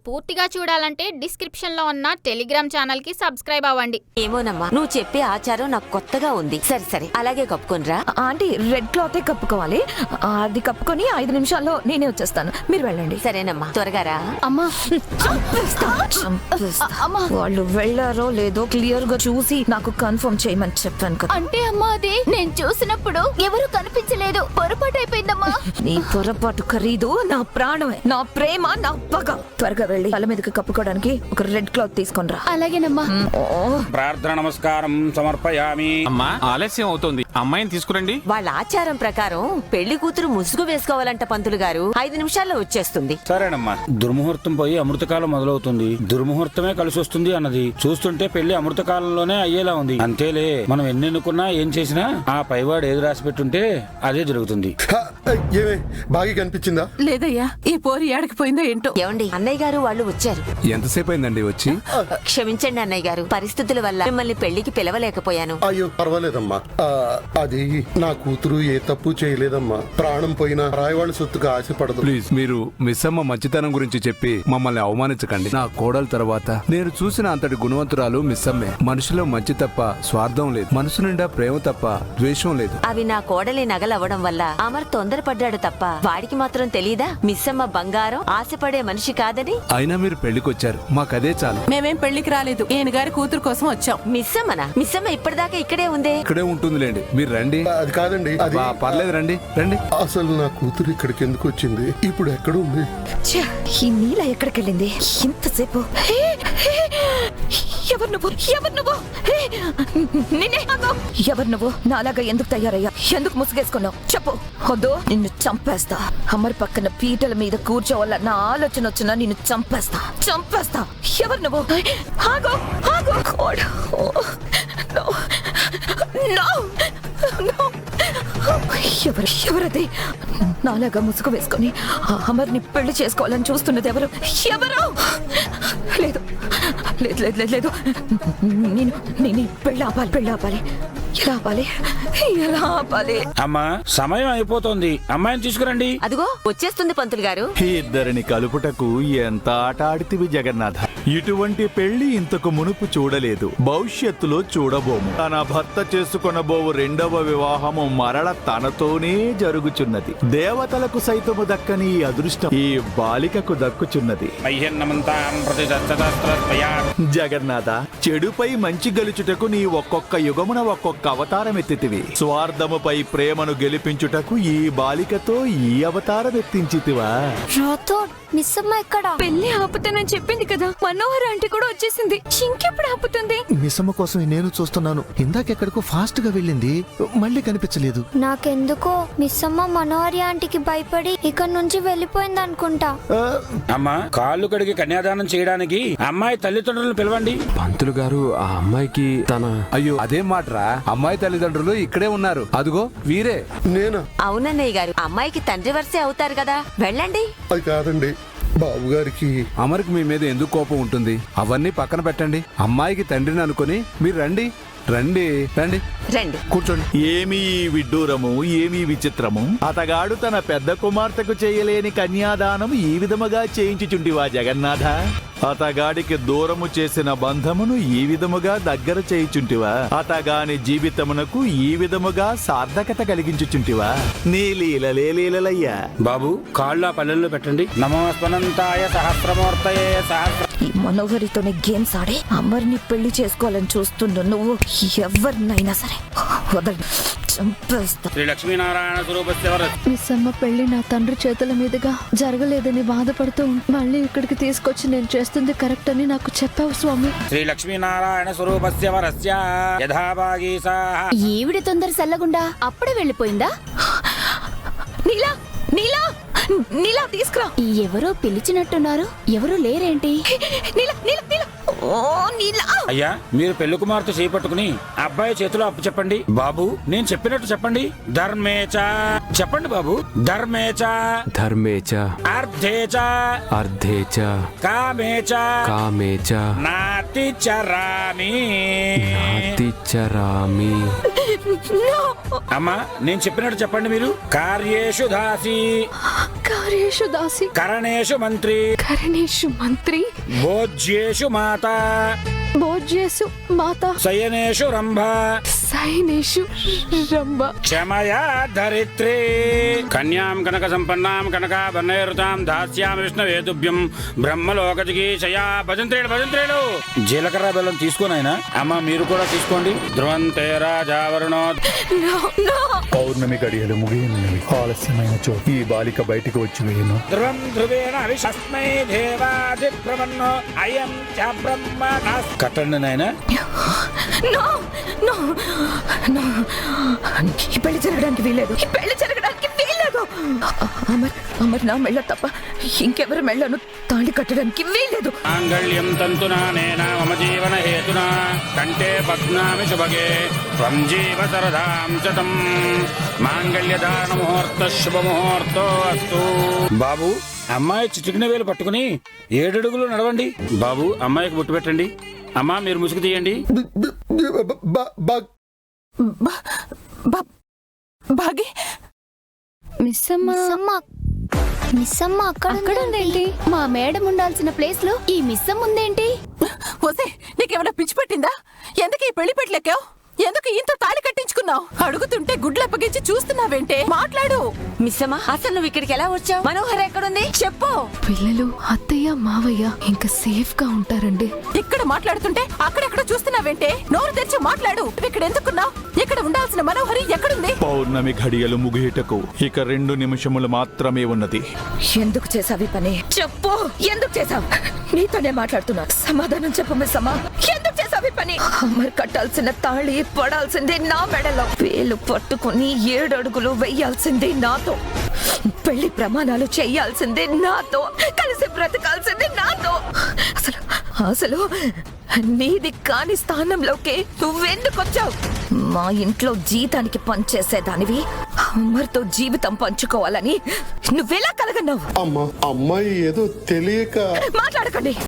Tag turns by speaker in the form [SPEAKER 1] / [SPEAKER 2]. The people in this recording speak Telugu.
[SPEAKER 1] పూర్తిగా చూడాలంటే డిస్క్రిప్షన్ లో ఉన్న టెలిగ్రామ్ ఛానల్ కి సబ్స్క్రైబ్ అవ్వండి.
[SPEAKER 2] ఏమోనమ్మా, నువ్వు చెప్పే ఆచారం నాకు కొత్తగా ఉంది. సరే సరే, అలాగే కప్పుకొనిరా.
[SPEAKER 3] ఆంటీ, రెడ్ క్లాత్ కప్పుకోవాలి. అది కప్పుకొని 5 నిమిషాల్లో నేనే వచ్చేస్తాను, మీరు వెళ్ళండి.
[SPEAKER 2] సరేనమ్మా, త్వరగా రా.
[SPEAKER 3] అమ్మా, వాళ్ళు వెళ్ళారో లేదో క్లియర్ గా చూసి నాకు కన్ఫర్మ్ చేయమని చెప్పాను కదా.
[SPEAKER 4] అంటే అమ్మా, అది నేను చూసినప్పుడు ఎవరు కనిపించలేదు, పొరపాటు అయిపోయిందమ్మా.
[SPEAKER 3] నీ పొరపాటు ఖరీదు నా ప్రాణమే, నా ప్రేమ, నా పగ. త్వరగా వెళ్ళి తల మీదకి కప్పుకోవడానికి ఒక రెడ్ క్లాత్ తీసుకొని రా.
[SPEAKER 4] అలాగేనమ్మా.
[SPEAKER 5] ప్రార్థన నమస్కారం సమర్పయామి.
[SPEAKER 6] అమ్మా, ఆలస్యం అవుతోంది, అమ్మాయిని తీసుకురండి.
[SPEAKER 2] వాళ్ళ ఆచారం ప్రకారం పెళ్లి కూతురు ముసుగు వేసుకోవాలంట పంతులు గారు. 5 నిమిషాల్లో వచ్చేస్తుంది.
[SPEAKER 5] సరేనమ్మా. దుర్ముహూర్తం పోయి అమృతకాలం మొదలవుతుంది. దుర్ముహూర్తమే కలిసి వస్తుంది అన్నది చూస్తుంటే పెళ్లి అమృతకాలంలోనే అయ్యేలా ఉంది. అంతేలే, మనం ఎన్ని ఎన్నుకున్నా ఏం చేసినా ఆ పైవాడు ఏది రాసి పెట్టుంటే అదే జరుగుతుంది.
[SPEAKER 7] ఏమే బాగా కనిపించిందా?
[SPEAKER 8] లేదయ్యా, ఈ పోరి ఏడకపోయిందో ఏంటో.
[SPEAKER 2] ఏమండి, అన్నయ్య గారు వాళ్ళు వచ్చారు.
[SPEAKER 9] ఎంతసేపు అయిందండి వచ్చి?
[SPEAKER 2] క్షమించండి అన్నయ్య గారు, పరిస్థితుల వల్ల మిమ్మల్ని పెళ్లికి పిలవలేకపోయాను.
[SPEAKER 7] అయ్యో పర్వాలేదమ్మా. అది నా కూతురు ఏ తప్పు చేయలేదమ్మా. ప్రాణం పోయినా రాయవాళ్ళ సొత్తుకు ఆశపడదు.
[SPEAKER 9] ప్లీజ్, మీరు మిస్ అమ్మ మంచితనం గురించి చెప్పి మమ్మల్ని అవమానించకండి. నా కోడలు తర్వాత నేను చూసిన అంతటి గుణవంతురాలు మిస్ అమ్మే. మనిషిలో మంచి తప్ప స్వార్థం లేదు, మనసు నిండా ప్రేమ తప్ప ద్వేషం లేదు.
[SPEAKER 2] అవి నా కోడలి నగలవ్వడం వల్ల అమర్ తొందరపడ్డాడు తప్ప వాడికి మాత్రం తెలీదా మిస్సమ్మ బంగారం ఆశపడే మనిషి కాదని?
[SPEAKER 9] అయినా మీరు పెళ్లికొచ్చారు, మాకదే చాలు.
[SPEAKER 8] మేమేం పెళ్లికి రాలేదు, ఈయన గారి కూతురు కోసం వచ్చాం.
[SPEAKER 2] మిస్సమ్మనా? మిస్సమ్మ ఇప్పటిదాకా ఇక్కడే ఉందే.
[SPEAKER 9] ఇక్కడే ఉంటుందిలేండి, మీరు రండి.
[SPEAKER 7] అది కాదండి, అది
[SPEAKER 9] పర్లేదు, రండి రండి.
[SPEAKER 7] అసలు నా కూతురు ఇక్కడికి ఎందుకు వచ్చింది? ఇప్పుడు ఎక్కడుంది?
[SPEAKER 3] ఈ నీల ఎక్కడికి వెళ్ళింది ఇంతసేపు? ఎవరు నువ్వు? ఎవరు నువ్వు? ఎవరు నువ్వు? నాలాగా ఎందుకు తయారయ్యా? ఎందుకు ముసుగేసుకున్నావు? చెప్పు. వద్దు, నిన్ను చంపేస్తా. అమర్ పక్కన పీటల మీద కూర్చోవాలన్న ఆలోచన వచ్చినా నిన్ను చంపేస్తా, చంపేస్తా. ఎవరు నువ్వు? ఆగో, ఆగో. ఎవరది నాలాగా ముసుగు వేసుకొని అమర్ని పెళ్లి చేసుకోవాలని చూస్తున్నది? ఎవరు? ఎవరు? లేదు లేదు లేదు లేదు లేదు, నేను పెళ్ళి ఆపాలి. ఎలా ఆపాలి? ఎలా ఆపాలి?
[SPEAKER 5] అమ్మా, సమయం అయిపోతుంది, అమ్మాయిని తీసుకురండి.
[SPEAKER 2] అదిగో వచ్చేస్తుంది పంతులు గారు.
[SPEAKER 10] ఇద్దరిని కలుపుటకు ఎంత ఆట ఆడితివి జగన్నాథ. ఇటువంటి పెళ్లి ఇంతకు మునుపు చూడలేదు, భవిష్యత్తులో చూడబోము. తన భర్త చేసుకొనబోవు 2వ వివాహము మరల తనతోనే జరుగుచున్నది. దేవతలకు సైతము దక్కని ఈ అదృష్టం ఈ బాలికకు దక్కుచున్నది. జగన్నాథ, చెడుపై మంచి గెలుచుటకు నీ ఒక్కొక్క యుగమున ఒక్కొక్క అవతారం ఎత్తితివి. స్వార్థముపై ప్రేమను గెలిపించుటకు ఈ బాలికతో ఈ అవతారం ఎత్తించితివా?
[SPEAKER 4] మిస్సమ్మ ఎక్కడ?
[SPEAKER 3] పెళ్లి ఆపుతానని చెప్పింది కదా, మనోహర్ ఆంటీ కూడా వచ్చేసింది. ఇంకెప్పుడు ఆపుతుంది?
[SPEAKER 11] మిస్సమ్మ కోసం నేను చూస్తున్నాను. ఇందాకెక్కడికో ఫాస్ట్ గా వెళ్ళింది, మళ్ళీ కనిపించలేదు.
[SPEAKER 4] నాకెందుకో మిస్సమ్మ మనోహరి ఆంటీకి భయపడి ఇక్కడ నుంచి వెళ్ళిపోయింది అనుకుంటా.
[SPEAKER 5] అమ్మా, కాళ్ళు కడిగి కన్యాదానం చేయడానికి అమ్మాయి తల్లిదండ్రులను పిలవండి.
[SPEAKER 9] పంతులు గారు, ఆ అమ్మాయికి అయ్యో అదేం మాటరా, అమ్మాయి తల్లిదండ్రులు ఇక్కడే ఉన్నారు. అదిగో వీరే.
[SPEAKER 7] నేనా?
[SPEAKER 2] అవునన్నయ్య గారు, అమ్మాయికి తండ్రి వరుసే అవుతారు కదా, వెళ్ళండి.
[SPEAKER 7] అది కాదండి, బాబు గారికి.
[SPEAKER 9] అమర్కి మీ మీద ఎందుకు కోపం ఉంటుంది? అవన్నీ పక్కన పెట్టండి. అమ్మాయికి తండ్రిని అనుకుని మీరు రండి. రండి రండి
[SPEAKER 2] రండి,
[SPEAKER 9] కూర్చోండి.
[SPEAKER 10] ఏమీ విడ్డూరము, ఏమీ విచిత్రము. అతగాడు తన పెద్ద కుమార్తెకు చేయలేని కన్యాదానం ఈ విధముగా చేయించుచుంటివా జగన్నాథ? అతగాడికి దూరము చేసిన బంధమును ఈ విధముగా దగ్గర చేయుచుంటివా? అతగాని జీవితమునకు ఈ విధముగా సార్థకత కలిగించుచుంటివా? నీ లీలలయ్యా.
[SPEAKER 5] బాబు, కాళ్ళు ఆ పల్లెల్లో పెట్టండి. నమస్పనంతాయ సహస్రమూర్తయే సహస్ర.
[SPEAKER 3] ఈ మనోహరితోనే గేమ్స్ ఆడి అమర్ని పెళ్లి చేసుకోవాలని చూస్తున్నా నువ్వు. ఎవరినైనా సరే వదలు, చంపేస్తా.
[SPEAKER 5] శ్రీ లక్ష్మీనారాయణ స్వరూపస్య
[SPEAKER 4] మిస్సమ్మ పెళ్లి నా తండ్రి చేతుల మీదుగా జరగలేదని బాధపడుతూ మళ్ళీ ఇక్కడికి తీసుకొచ్చి నేను చేస్తుంది కరెక్ట్ అని నాకు చెప్పావు స్వామి.
[SPEAKER 5] శ్రీ లక్ష్మీనారాయణ స్వరూపస్య వరస్య యథాభాగీసాః.
[SPEAKER 4] ఈవిడ తొందర సల్లగుండా అప్పుడే వెళ్ళిపోయిందా?
[SPEAKER 3] నీలా నీలా నీలా తీసుకురా.
[SPEAKER 4] ఎవరో పిలిచినట్టున్నారు, ఎవరూ లేరేంటి?
[SPEAKER 3] నీలా నీలా నీలా. ఓ నీలా.
[SPEAKER 5] అయ్యా, మీరు పెళ్లి కుమార్తె చేపట్టుకుని అబ్బాయి చేతిలో అప్పు చెప్పండి. బాబు, నేను చెప్పినట్టు చెప్పండి. ధర్మేచ చెప్పండి బాబు. ధర్మేచ
[SPEAKER 9] ధర్మేచ
[SPEAKER 5] అర్థేచ
[SPEAKER 9] అర్ధేచ
[SPEAKER 5] కామేచ
[SPEAKER 9] కామేచ
[SPEAKER 5] నాతి చరామి
[SPEAKER 9] నాతిచరామి.
[SPEAKER 5] అమ్మా, నేను చెప్పినట్టు చెప్పండి. మీరు కార్యేషు దాసి
[SPEAKER 4] కార్యేషు దాసి
[SPEAKER 5] కరణేషు మంత్రి
[SPEAKER 4] కరణేషు మంత్రి
[SPEAKER 5] భోజ్యేషు మాత
[SPEAKER 4] భోజ్యేసు మాత
[SPEAKER 5] శయనేషు రంభ
[SPEAKER 4] సైనేషు రంభ
[SPEAKER 5] క్షమయా ధరిత్రి కన్యాం కనక సంపన్నాం కనకాభరణైరుతాం దాస్యామి విష్ణువేతుభ్యం బ్రహ్మలోకజిగీషయా భజంత్రేడు భజంత్రేడు. జీలకర్ర బెల్లం తీసుకోనైనా అమ్మ మీరు కూడా తీసుకోండి. ధ్రువంతే రాజావరుణో.
[SPEAKER 10] పౌర్ణమి గడియలు ముగియనున్నవి. ఆలస్యమైన ఈ బాలిక బయటికి వచ్చి వేయను.
[SPEAKER 5] ధ్రువం ధ్రువేణ అవిషస్మై దేవాదిప్రవన్నో అయం చ బ్రహ్మ. కట్టండి నాయనా.
[SPEAKER 3] ఈ పెళ్లి జరగడానికి వీల్లేదు. ఈ పెళ్లి జరగడానికి వీల్లేదు. అమర్ నా మెళ్ళ తప్ప ఇంకెవరి మెళ్ళను తాళి కట్టడానికి వీల్లేదు.
[SPEAKER 5] మాంగళ్యం తంతునా నేనా మమ జీవన హేతునా కంటే పద్నామి శుభగే త్వం జీవ సరదాం శతం. మాంగళ్యధారణ ముహూర్త శుభముహూర్తో అస్తు. బాబు అమ్మాయి చిటికిన వేలు పట్టుకుని 7 అడుగులు నడవండి. బాబు అమ్మాయికి బొట్టు పెట్టండి. అమ్మా మీరు ముసుగు తీయండి.
[SPEAKER 8] భాగి
[SPEAKER 4] మిస్సమ్మ అక్కడ ఉందేంటి? మా మేడం ఉండాల్సిన ప్లేస్ లో ఈ మిస్సమ్మ ఉందేంటి?
[SPEAKER 8] వసే, నీకేమైనా పిచ్చి పట్టిందా? ఎందుకు ఈ పెళ్లి పెట్టలేకావు? ఎందుకు ఇంత తాళి కట్టించుకున్నావు? అడుగుతుంటే గుడ్లు అప్పగించి చూస్తున్నావేంటే? మాట్లాడు.
[SPEAKER 2] మిస్సమ్మా, అసలు నువ్వు ఇక్కడికి ఎలా వచ్చావు? మనోహర్ ఎక్కడుంది చెప్పు.
[SPEAKER 4] పిల్లలు అత్తయ్య మావయ్య ఇంకా సేఫ్ గా ఉంటారండి.
[SPEAKER 8] ఇక్కడ మాట్లాడుతుంటే అక్కడెక్కడ చూస్తున్నావేంటే? నోరు తెరిచి మాట్లాడు. ఇక్కడ ఎందుకున్నావు? ఇక్కడ ఉండాల్సిన మనోహరి ఎక్కడుంది?
[SPEAKER 10] పౌర్ణమి ఘడియలు ముగియటకు ఇక 2 నిమిషములు మాత్రమే ఉన్నది.
[SPEAKER 3] ఎందుకు చేసావి పని చెప్పు. ఎందుకు చేసావు? నీతోనే మాట్లాడుతున్నా. సమాధానం చెప్పు మిస్సమ్మా. ఎందుకు చేసావి పని? అమర్ కట్టాల్సిన తాళి పడాల్సిందే నా మెడలో. వేలు పట్టుకుని 7 అడుగులు వెయ్యాల్సిందే నాతో. పెళ్లి ప్రమాణాలు చెయ్యాల్సిందే నాతో. కలిసి బ్రతకాల్సిందే నాతో. అసలు నీది కాని స్థానంలోకి నువ్వెందుకు వచ్చావు? మా ఇంట్లో జీతానికి పనిచేసేదానివి అమర్తో జీవితం పంచుకోవాలని నువ్వెలా కలగన్నావు?
[SPEAKER 7] అమ్మాయి ఏదో తెలియక
[SPEAKER 3] మాట్లాడకండి.